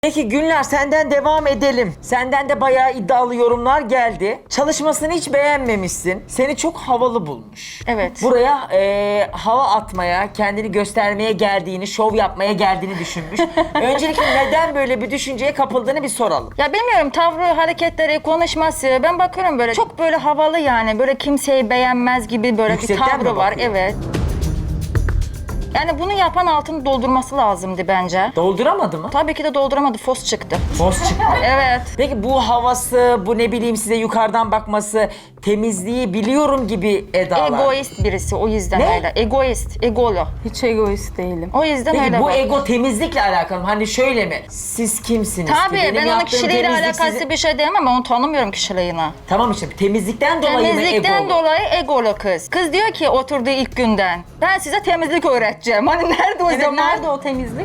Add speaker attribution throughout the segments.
Speaker 1: Peki Günler, senden devam edelim. Senden de bayağı iddialı yorumlar geldi. Çalışmasını hiç beğenmemişsin. Seni çok havalı bulmuş.
Speaker 2: Evet.
Speaker 1: Buraya hava atmaya, kendini göstermeye geldiğini, şov yapmaya geldiğini düşünmüş. Öncelikle neden böyle bir düşünceye kapıldığını bir soralım.
Speaker 2: Ya bilmiyorum, tavrı, hareketleri, konuşması, ben bakıyorum böyle çok böyle havalı, yani böyle kimseyi beğenmez gibi böyle
Speaker 1: Yüksekten
Speaker 2: bir
Speaker 1: mi
Speaker 2: tavrı var.
Speaker 1: bakıyor?
Speaker 2: Evet. Yani bunu yapan altını doldurması lazımdı bence.
Speaker 1: Dolduramadı mı?
Speaker 2: Tabii ki de dolduramadı, fos çıktı.
Speaker 1: Boz çıktı.
Speaker 2: Evet.
Speaker 1: Peki bu havası, bu ne bileyim size yukarıdan bakması, temizliği biliyorum gibi edalar.
Speaker 2: Egoist birisi, o yüzden
Speaker 1: Ne?
Speaker 2: öyle. Egoist, egolu.
Speaker 3: Hiç egoist değilim.
Speaker 2: O yüzden
Speaker 1: Peki
Speaker 2: öyle
Speaker 1: bu
Speaker 2: bak.
Speaker 1: ego temizlikle alakalı mı? Hani şöyle mi? Siz kimsiniz ki?
Speaker 2: Tabii
Speaker 1: Benim
Speaker 2: ben onun
Speaker 1: yaptığım
Speaker 2: kişiliğiyle
Speaker 1: temizlik
Speaker 2: alakası
Speaker 1: sizi-
Speaker 2: bir şey diyemem, ben onu tanımıyorum kişiliğini.
Speaker 1: Tamam işte temizlikten dolayı mı
Speaker 2: Temizlikten
Speaker 1: egolu?
Speaker 2: dolayı egolu kız. Kız diyor ki oturduğu ilk günden, ben size temizlik öğreteceğim. Hani nerede o
Speaker 3: Evet,
Speaker 2: zaman?
Speaker 3: nerede o temizlik?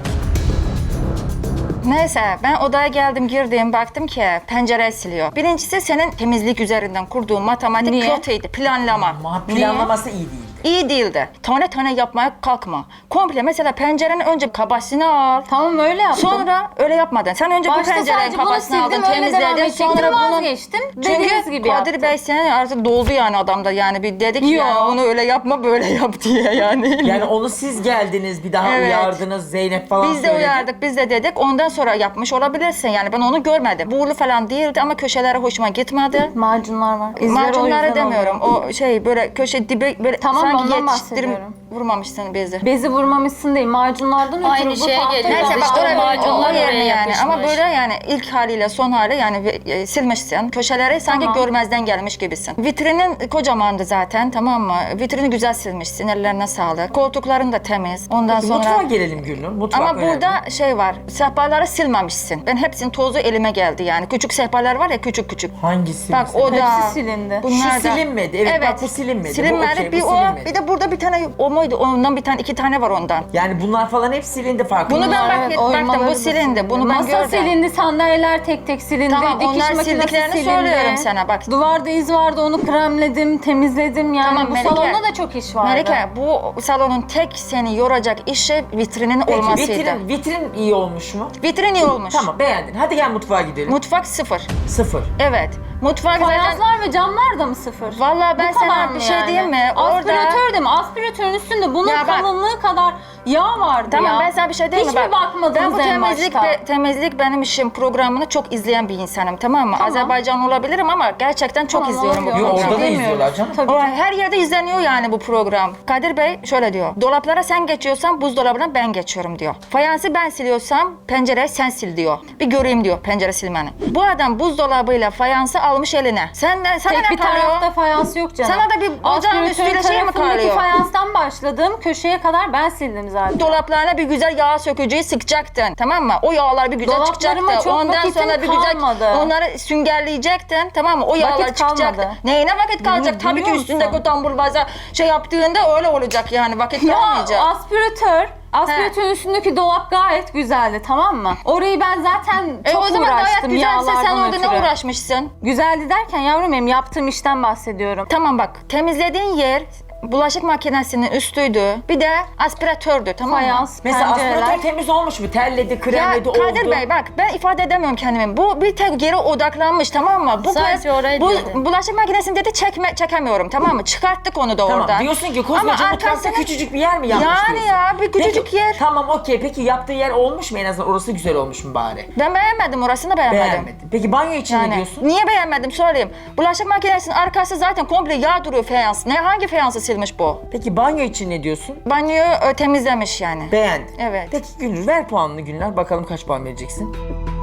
Speaker 2: Neyse, ben odaya geldim, girdim, baktım ki pencere siliyor. Birincisi, senin temizlik üzerinden kurduğun matematik
Speaker 3: Niye?
Speaker 2: kötüydü, planlama.
Speaker 1: Ama planlaması iyi değil.
Speaker 2: İyi değildi. Tane tane yapmaya kalkma. Komple mesela pencerenin önce kabasını al.
Speaker 3: Tamam öyle yaptım.
Speaker 2: Sonra öyle yapmadın. Sen önce bu
Speaker 3: Başta
Speaker 2: pencerenin
Speaker 3: sadece bunu
Speaker 2: kabasını aldın,
Speaker 3: sildim, öyle devam
Speaker 2: temizledin.
Speaker 3: edecektim,
Speaker 2: Sonra bunu...
Speaker 3: vazgeçtim. Dediğiniz
Speaker 2: Çünkü
Speaker 3: gibi
Speaker 2: Kadir
Speaker 3: yaptım.
Speaker 2: Bey senin artık doldu yani adamda, yani bir dedik
Speaker 3: Yo.
Speaker 2: yani onu öyle yapma, böyle yap diye yani.
Speaker 1: Yani onu siz geldiniz, bir daha
Speaker 2: Evet.
Speaker 1: uyardınız, Zeynep falan
Speaker 2: Biz de
Speaker 1: söyledi.
Speaker 2: uyardık, biz de dedik. Ondan sonra yapmış olabilirsin. Yani ben onu görmedim. Buğulu falan değildi ama köşeleri hoşuma gitmedi.
Speaker 3: Macunlar var. İzleri o
Speaker 2: Macunları
Speaker 3: yüzden
Speaker 2: demiyorum.
Speaker 3: oluyor.
Speaker 2: O şey böyle köşe dibi böyle
Speaker 3: Tamam,
Speaker 2: sanki
Speaker 3: ondan
Speaker 2: yetiştirim
Speaker 3: bahsediyorum.
Speaker 2: vurmamışsın bezi.
Speaker 3: Bezi vurmamışsın değil, macunlardan ötürü
Speaker 4: Aynı
Speaker 3: bu
Speaker 4: şeye
Speaker 3: farklı
Speaker 4: geliyor.
Speaker 2: Neyse
Speaker 3: bir
Speaker 2: bak
Speaker 4: İşte
Speaker 2: oraya
Speaker 4: macunlar
Speaker 2: o yerine
Speaker 4: oraya
Speaker 2: yani, ama
Speaker 4: yapışmış.
Speaker 2: böyle yani ilk haliyle son hali yani silmişsin. Köşeleri sanki
Speaker 3: Tamam.
Speaker 2: görmezden gelmiş gibisin. Vitrinin kocamandı zaten, tamam mı? Vitrini güzel silmişsin, ellerine sağlık. Koltukların da temiz. Ondan
Speaker 1: Peki,
Speaker 2: sonra...
Speaker 1: mutfağa gelelim Gülnur. Mutfak
Speaker 2: Ama
Speaker 1: önemli.
Speaker 2: burada şey var, sehpaları silmemişsin. Ben hepsinin tozu elime geldi yani. Küçük sehpalar var ya, küçük küçük.
Speaker 1: Hangisi?
Speaker 2: Bak
Speaker 1: mesela?
Speaker 2: o da...
Speaker 3: Hepsi silindi.
Speaker 2: Bunlar
Speaker 1: Şu
Speaker 2: da-
Speaker 1: silinmedi. Evet, bak bu silinmedi. Bu
Speaker 2: Silinmedi.
Speaker 1: okey, bu
Speaker 2: Bir o,
Speaker 1: silinmedi.
Speaker 2: bir de burada bir tane o muydu? Ondan bir tane, iki tane var ondan.
Speaker 1: Yani bunlar falan hep silindi farkında.
Speaker 2: Bunu ben
Speaker 1: mısın?
Speaker 2: bak- baktım,
Speaker 3: oymaları
Speaker 2: bu
Speaker 3: da
Speaker 2: silindi. Bunu ben
Speaker 3: Masa
Speaker 2: gördüm.
Speaker 3: silindi, sandalyeler tek tek silindi,
Speaker 2: Tamam,
Speaker 3: dikiş
Speaker 2: onlar
Speaker 3: makinesi
Speaker 2: sildiklerini
Speaker 3: silindi.
Speaker 2: söylüyorum sana, bak.
Speaker 3: Duvarda iz vardı, onu kremledim, temizledim. Yani
Speaker 2: Tamam,
Speaker 3: bu
Speaker 2: Melike.
Speaker 3: salonda da çok iş vardı.
Speaker 2: Melike, bu salonun tek seni yoracak işi vitrinin
Speaker 1: Peki
Speaker 2: olmasıydı.
Speaker 1: vitrin iyi olmuş mu?
Speaker 2: Vitrin iyi olmuş.
Speaker 1: Tamam, beğendin. Hadi gel mutfağa gidelim.
Speaker 2: Mutfak sıfır.
Speaker 1: Sıfır.
Speaker 2: Evet. Mutfak zaten...
Speaker 3: Fayanslar ve camlar da mı sıfır?
Speaker 2: Vallahi ben
Speaker 3: Bu kadar
Speaker 2: sana
Speaker 3: mı
Speaker 2: bir şey
Speaker 3: yani?
Speaker 2: diyeyim mi?
Speaker 3: Aspiratör de mi? Aspiratörün üstünde bunun
Speaker 2: Ya bak-
Speaker 3: kalınlığı kadar yağ vardı
Speaker 2: Tamam,
Speaker 3: ya.
Speaker 2: ben sana bir şey diyeyim mi?
Speaker 3: Hiç mi bakmadınız
Speaker 2: ben bu
Speaker 3: en
Speaker 2: temizlik,
Speaker 3: başta?
Speaker 2: temizlik benim işim programını çok izleyen bir insanım, tamam mı?
Speaker 3: Tamam.
Speaker 2: Azerbaycan olabilirim ama gerçekten çok
Speaker 3: Tamam,
Speaker 2: izliyorum bu
Speaker 3: oluyor.
Speaker 1: Yok,
Speaker 2: programı.
Speaker 1: orada da
Speaker 3: Bilmiyorum.
Speaker 1: izliyorlar canım.
Speaker 3: Tabii.
Speaker 2: O, her yerde izleniyor yani bu program. Kadir Bey şöyle diyor. Dolaplara sen geçiyorsan buzdolabına ben geçiyorum diyor. Fayansı ben siliyorsam pencereyi sen sil diyor. Bir göreyim diyor pencere silmeni. Bu adam buzdolabıyla fayansı almış eline. Sana
Speaker 3: Tek
Speaker 2: ne
Speaker 3: bir tarafta
Speaker 2: kalıyor?
Speaker 3: fayans yok canım.
Speaker 2: Sana da bir ocağın
Speaker 3: Aspiratörün
Speaker 2: üstüyle şey mi
Speaker 3: tarafındaki
Speaker 2: kalıyor?
Speaker 3: fayanstan başladım. Köşeye kadar ben sildim zaten.
Speaker 2: Dolaplarına bir güzel yağ sökücüyü sıkacaktın, tamam mı? O yağlar bir güzel
Speaker 3: Dolaplarıma
Speaker 2: çıkacaktı.
Speaker 3: çok
Speaker 2: Ondan
Speaker 3: vakitim
Speaker 2: sonra bir güzel
Speaker 3: kalmadı.
Speaker 2: onları süngerleyecektin, tamam mı? O yağlar
Speaker 3: Vakit
Speaker 2: çıkacaktı.
Speaker 3: kalmadı.
Speaker 2: Neyine vakit kalacak?
Speaker 3: Bunu
Speaker 2: Tabii ki
Speaker 3: biliyor
Speaker 2: üstündeki
Speaker 3: musun?
Speaker 2: o tamburbaza şey yaptığında öyle olacak yani, vakit kalmayacak.
Speaker 3: Ya aspiratörün üstündeki dolap gayet güzeldi, tamam mı? Orayı ben zaten çok
Speaker 2: O zaman gayet
Speaker 3: uğraştım
Speaker 2: güzelse sen
Speaker 3: yağlardan
Speaker 2: orada ne
Speaker 3: ötürü.
Speaker 2: uğraşmışsın?
Speaker 3: Güzeldi derken yavrum benim yaptığım işten bahsediyorum.
Speaker 2: Tamam bak, temizlediğin yer bulaşık makinesinin üstüydü. Bir de aspiratördü, tamam mı?
Speaker 3: Fayans,
Speaker 1: Mesela
Speaker 3: pencereler.
Speaker 1: aspiratör temiz olmuş mu? Telledi,
Speaker 2: Ya
Speaker 1: kremledi, oldu.
Speaker 2: Kadir Bey bak, ben ifade edemiyorum kendimi. Bu bir tek yere odaklanmış, tamam mı? Bu
Speaker 4: Sadece
Speaker 2: kız
Speaker 4: orayı
Speaker 2: bu
Speaker 4: dedi.
Speaker 2: bulaşık makinesini dedi çekemiyorum, tamam mı? Çıkarttık onu da
Speaker 1: Tamam,
Speaker 2: oradan.
Speaker 1: diyorsun ki
Speaker 2: Ama
Speaker 1: koskoca mutfakta
Speaker 2: arkasını-
Speaker 1: küçücük bir yer mi yapmış
Speaker 2: Yani
Speaker 1: diyorsun?
Speaker 2: ya, bir küçücük
Speaker 1: Peki,
Speaker 2: yer.
Speaker 1: Tamam, okey. Peki yaptığı yer olmuş mu? En azından orası güzel olmuş mu bari?
Speaker 2: Ben beğenmedim, orasını beğenmedim.
Speaker 1: Beğenmedin. Peki banyo için ne
Speaker 2: Yani
Speaker 1: diyorsun?
Speaker 2: niye beğenmedim söyleyeyim. Bulaşık makinesinin arkası zaten komple yağ duruyor, fayans. Hangi fayansı silmiş bu?
Speaker 1: Peki banyo için ne diyorsun?
Speaker 2: Banyoyu temizlemiş yani.
Speaker 1: Beğendin.
Speaker 2: Evet.
Speaker 1: Peki Gülnur, ver puanını Gülnur. Bakalım kaç puan vereceksin?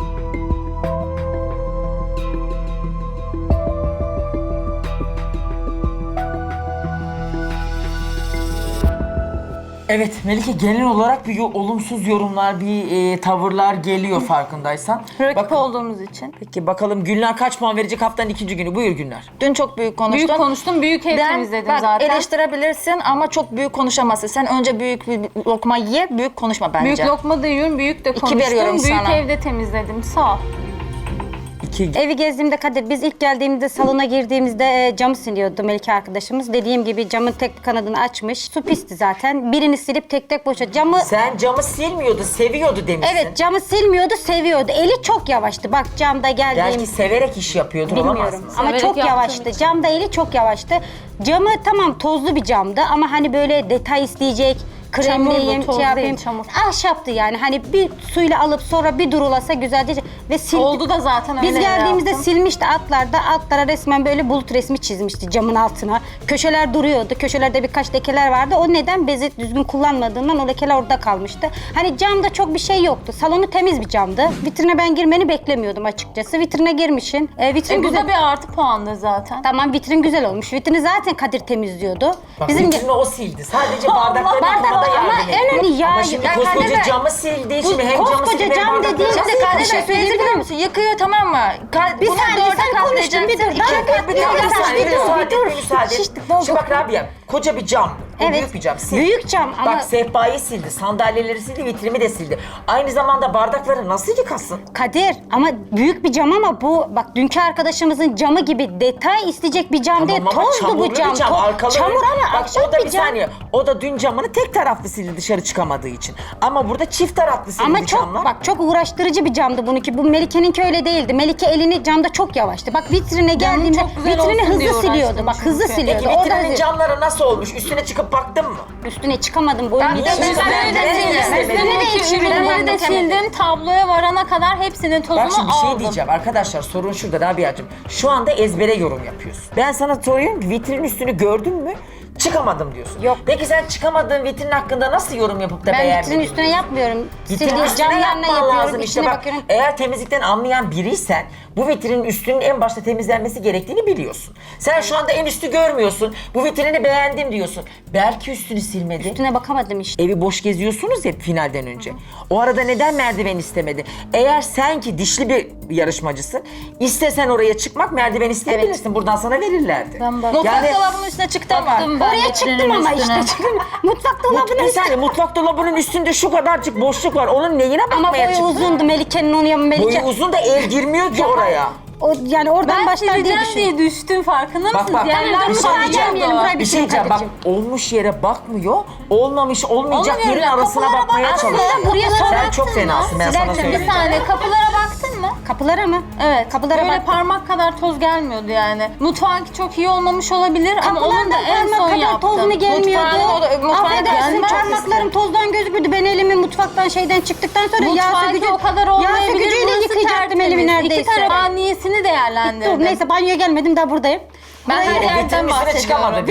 Speaker 1: Evet Melike, genel olarak bir olumsuz yorumlar, bir tavırlar geliyor farkındaysan.
Speaker 3: Rakip
Speaker 1: Bak-
Speaker 3: olduğumuz için.
Speaker 1: Peki bakalım Gülnar kaç puan verecek haftanın ikinci günü? Buyur Gülnar.
Speaker 2: Dün çok büyük konuştun.
Speaker 3: Büyük konuştum, büyük ev temizledim
Speaker 2: bak,
Speaker 3: zaten.
Speaker 2: eleştirebilirsin ama çok büyük konuşamazsın. Sen önce büyük bir lokma ye, büyük konuşma bence.
Speaker 3: Büyük lokma da yiyorum, büyük de
Speaker 2: İki
Speaker 3: konuştum.
Speaker 2: veriyorum
Speaker 3: Büyük
Speaker 2: sana.
Speaker 3: evde temizledim. Sağ ol.
Speaker 1: 2.
Speaker 4: Evi gezdiğimde Kadir, biz ilk geldiğimizde salona girdiğimizde camı siliyordu Melike arkadaşımız. Dediğim gibi camın tek bir kanadını açmış. Su pisti zaten. Birini silip tek tek boşa. Camı
Speaker 1: Sen camı silmiyordu, seviyordu demişsin.
Speaker 4: evet, camı silmiyordu, seviyordu. Eli çok yavaştı. Bak camda geldiğim
Speaker 1: Belki severek iş yapıyordur, olamaz
Speaker 4: bilmiyorum
Speaker 1: mı?
Speaker 4: ama
Speaker 3: Severek
Speaker 4: çok
Speaker 3: yaptığım
Speaker 4: yavaştı.
Speaker 3: için.
Speaker 4: Camda eli çok yavaştı. Camı tamam tozlu bir camdı ama hani böyle detay isteyecek, kremleyeyim,
Speaker 3: Çamurlu, toz
Speaker 4: şey yapayım.
Speaker 3: değil, çamur.
Speaker 4: Ahşaptı yani. Hani bir suyla alıp sonra bir durulasa güzelce ve sildi.
Speaker 3: Oldu da zaten öyle
Speaker 4: Biz geldiğimizde
Speaker 3: yaptım.
Speaker 4: silmişti altlara resmen böyle bulut resmi çizmişti camın altına. Köşeler duruyordu. Köşelerde birkaç lekeler vardı. O neden bezi düzgün kullanmadığından o lekeler orada kalmıştı. Hani camda çok bir şey yoktu. Salonu temiz bir camdı. Vitrine ben girmeni beklemiyordum açıkçası. Vitrine girmişsin. Vitrin
Speaker 3: Bu
Speaker 4: güzel.
Speaker 3: da bir artı puandır zaten.
Speaker 4: Tamam, vitrin güzel olmuş. Vitrini zaten Kadir temizliyordu.
Speaker 1: Bak
Speaker 4: Bizim
Speaker 1: vitrini o sildi. Sadece bardakları yıkamada
Speaker 4: ama
Speaker 1: yardım etti.
Speaker 4: en önemli
Speaker 1: Ama
Speaker 4: ya.
Speaker 1: şimdi
Speaker 4: Ya
Speaker 1: koskoca
Speaker 2: Kadir Bey,
Speaker 1: camı sildiği için hem camı
Speaker 4: koskoca
Speaker 1: sildi hem
Speaker 4: cam
Speaker 1: bardakları
Speaker 4: dediğin
Speaker 1: sildi.
Speaker 4: şey-
Speaker 2: Kadir
Speaker 4: bir şey
Speaker 2: Bey
Speaker 4: söyleyebilir
Speaker 2: biliyor
Speaker 4: miyim?
Speaker 2: musun? Yıkıyor tamam mı?
Speaker 4: Bir
Speaker 2: Bunu
Speaker 4: saniye,
Speaker 2: doğru
Speaker 4: sen konuştun, bir dur.
Speaker 2: katlayacaksın.
Speaker 4: Daha
Speaker 2: İki
Speaker 4: bir
Speaker 2: katlayacaksın.
Speaker 4: dakika, bir dur.
Speaker 1: Müsaade et, müsaade et.
Speaker 4: Şiştik, doldu.
Speaker 1: Şimdi bak Rabia, koca bir cam. Bu
Speaker 4: Evet.
Speaker 1: büyük bir cam. Sil.
Speaker 4: Büyük cam ama-
Speaker 1: Bak sehpayı sildi, sandalyeleri sildi, vitrimi de sildi. Aynı zamanda bardakları nasıl yıkasın?
Speaker 4: Kadir ama büyük bir cam ama bu bak dünkü arkadaşımızın camı gibi detay isteyecek bir cam değil.
Speaker 1: ama
Speaker 4: Tozdu
Speaker 1: çamurlu
Speaker 4: bu cam.
Speaker 1: bir cam, arkalı.
Speaker 4: Çamur ama
Speaker 1: Bak
Speaker 4: ahşap
Speaker 1: o da
Speaker 4: bir
Speaker 1: bir
Speaker 4: cam.
Speaker 1: saniye. O da dün camını tek taraflı sildi dışarı çıkamadığı için. Ama burada çift taraflı sildi
Speaker 4: Ama çok
Speaker 1: camlar.
Speaker 4: bak çok uğraştırıcı bir camdı bununki. Bu Melike'ninki öyle değildi. Melike elini camda çok yavaştı. Bak vitrine geldiğinde
Speaker 3: çok güzel
Speaker 4: vitrini
Speaker 3: olsun
Speaker 4: hızlı
Speaker 3: diye
Speaker 4: siliyordu.
Speaker 3: uğraştım
Speaker 4: Bak hızlı
Speaker 3: çünkü.
Speaker 4: siliyordu.
Speaker 1: Peki
Speaker 4: O da
Speaker 1: vitrinin
Speaker 4: hızlı.
Speaker 1: camları nasıl olmuş? Üstüne çıkıp baktın mı?
Speaker 4: Üstüne çıkamadım. Boyun
Speaker 2: Ben de
Speaker 4: yetişmedi.
Speaker 2: üstüne de sildim.
Speaker 3: Üstündeki ürünleri de sildim. Tabloya varana kadar hepsinin tozunu
Speaker 1: Bak şimdi bir şey
Speaker 3: aldım.
Speaker 1: diyeceğim arkadaşlar, sorun şurada Rabia'cığım. Şu anda ezbere yorum yapıyorsun. Ben sana soruyorum ki vitrinin üstünü gördün mü? Çıkamadım diyorsun.
Speaker 4: Yok.
Speaker 1: Peki sen çıkamadığın vitrin hakkında nasıl yorum yapıp da
Speaker 4: Ben
Speaker 1: beğenmedin?
Speaker 4: vitrinin üstüne yapmıyorum.
Speaker 1: Vitrinin
Speaker 4: Sildiğim
Speaker 1: üstüne
Speaker 4: camlarına
Speaker 1: yapman
Speaker 4: yapıyorum.
Speaker 1: lazım işte
Speaker 4: İçine
Speaker 1: bak.
Speaker 4: bakıyorum.
Speaker 1: Eğer temizlikten anlayan biriysen bu vitrinin üstünün en başta temizlenmesi gerektiğini biliyorsun. Sen şu anda en üstü görmüyorsun. Bu vitrini beğendim diyorsun. Belki üstünü silmedi.
Speaker 4: Üstüne bakamadım işte.
Speaker 1: Evi boş geziyorsunuz ya finalden önce. O arada neden merdiven istemedi? Eğer sen ki dişli bir yarışmacısın, istesen oraya çıkmak merdiven isteyebilirsin. Buradan sana verirlerdi.
Speaker 2: Mutfak dolabının üstüne çıktı ama.
Speaker 3: Baktım ben
Speaker 4: Oraya
Speaker 3: vitrinin
Speaker 4: çıktım ama
Speaker 3: üstüne.
Speaker 4: işte çıktım. Mutfak dolabına
Speaker 1: Bir saniye, mutfak dolabının üstünde şu kadarcık boşluk var. Onun neyine
Speaker 4: ama
Speaker 1: bakmaya
Speaker 4: boyu
Speaker 1: çıktın?
Speaker 4: uzundu Melike'nin onu yapın Melike.
Speaker 1: Boyu uzun da el girmiyor ki oraya.
Speaker 4: O, yani oradan
Speaker 3: Ben
Speaker 4: başlar diye
Speaker 3: sileceğim
Speaker 4: düşündüm.
Speaker 3: diye düştüm, farkında
Speaker 1: Bak,
Speaker 3: mısınız?
Speaker 1: bak.
Speaker 3: Yerler
Speaker 1: Tamam, bir şey
Speaker 3: parlıyordu.
Speaker 1: diyeceğim.
Speaker 4: Buraya
Speaker 1: Bir şey diyeceğim bak, olmuş yere bakmıyor, olmamış olmayacak
Speaker 3: Olmuyor
Speaker 1: yerin
Speaker 3: ya,
Speaker 1: arasına
Speaker 3: kapılara
Speaker 1: bakmaya
Speaker 3: bak.
Speaker 1: çalışıyor.
Speaker 3: Aslında buraya
Speaker 1: Sen
Speaker 3: baktın
Speaker 1: çok
Speaker 3: mı?
Speaker 1: fenasın, ben sana
Speaker 4: Silerken
Speaker 1: söyleyeyim.
Speaker 3: Bir saniye, kapılara baktın mı?
Speaker 4: Kapılara mı?
Speaker 3: Evet.
Speaker 4: Kapılara
Speaker 3: Böyle
Speaker 4: baktım.
Speaker 3: parmak kadar toz gelmiyordu yani. Mutfağınki çok iyi olmamış olabilir ama onun da en son
Speaker 4: parmak kadar
Speaker 3: yaptım.
Speaker 4: toz mu gelmiyordu?
Speaker 2: Mutfağın
Speaker 4: Affedersin,
Speaker 3: gelmez.
Speaker 4: parmaklarım tozdan gözükürdü. Ben elimi mutfaktan şeyden çıktıktan sonra yağ
Speaker 3: Mutfağınki
Speaker 4: sökücü,
Speaker 3: o kadar
Speaker 4: yağ
Speaker 3: olmayabilir.
Speaker 4: sökücüyle
Speaker 3: Burası
Speaker 4: yıkayacaktım elimi
Speaker 3: tertemiz.
Speaker 4: neredeyse.
Speaker 3: İki tarafaniyesini değerlendirdim.
Speaker 4: Dur neyse, banyoya gelmedim, daha buradayım.
Speaker 3: Ben her
Speaker 1: O
Speaker 3: yerden
Speaker 1: vitrinin üstüne
Speaker 3: bahsediyorum.
Speaker 1: çıkamadı.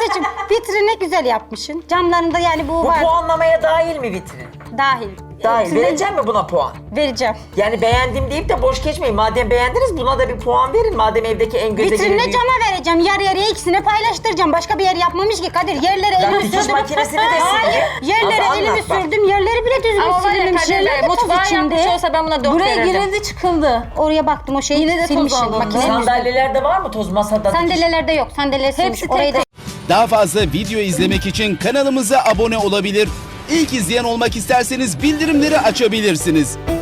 Speaker 4: Vitrini güzel yapmışsın. Camlarında yani bu
Speaker 1: Bu
Speaker 4: var.
Speaker 1: puanlamaya dahil mi vitrin?
Speaker 4: Dahil.
Speaker 1: Dahil.
Speaker 4: Hepsine
Speaker 1: Verecek mi buna puan?
Speaker 4: vereceğim.
Speaker 1: Yani beğendim deyip de boş geçmeyin. Madem beğendiniz buna da bir puan verin. Madem evdeki en göze
Speaker 4: Vitrinle
Speaker 1: gelen
Speaker 4: cama vereceğim. Yarı yarıya ikisini paylaştıracağım. Başka bir yer yapmamış ki Kadir. Yerlere
Speaker 1: Ya
Speaker 4: elimi
Speaker 1: dikiş
Speaker 4: sürdüm.
Speaker 1: makinesini de
Speaker 4: Hayır.
Speaker 1: sildi.
Speaker 4: Yerlere
Speaker 1: Az
Speaker 4: elimi
Speaker 1: anlat bak.
Speaker 4: sürdüm. Yerleri bile düzgün
Speaker 2: Ama var ya
Speaker 4: silinmemiş.
Speaker 2: Kadir Bey,
Speaker 4: Yerler de toz
Speaker 2: mutfağı
Speaker 4: içinde.
Speaker 2: yapmış olsa ben buna 4
Speaker 3: Buraya
Speaker 2: verirdim.
Speaker 3: girildi çıkıldı.
Speaker 4: Oraya baktım, o şeyi
Speaker 3: Yine de toz
Speaker 4: silmişim.
Speaker 3: alındı.
Speaker 4: Makinenin üstünde.
Speaker 1: Sandalyelerde var mı toz masada? dikiş?
Speaker 4: Sandalyelerde yok. Sandalye silmiş.
Speaker 3: tek
Speaker 4: Orayı da
Speaker 5: Daha fazla video izlemek için kanalımıza abone olabilir. İlk izleyen olmak isterseniz bildirimleri açabilirsiniz.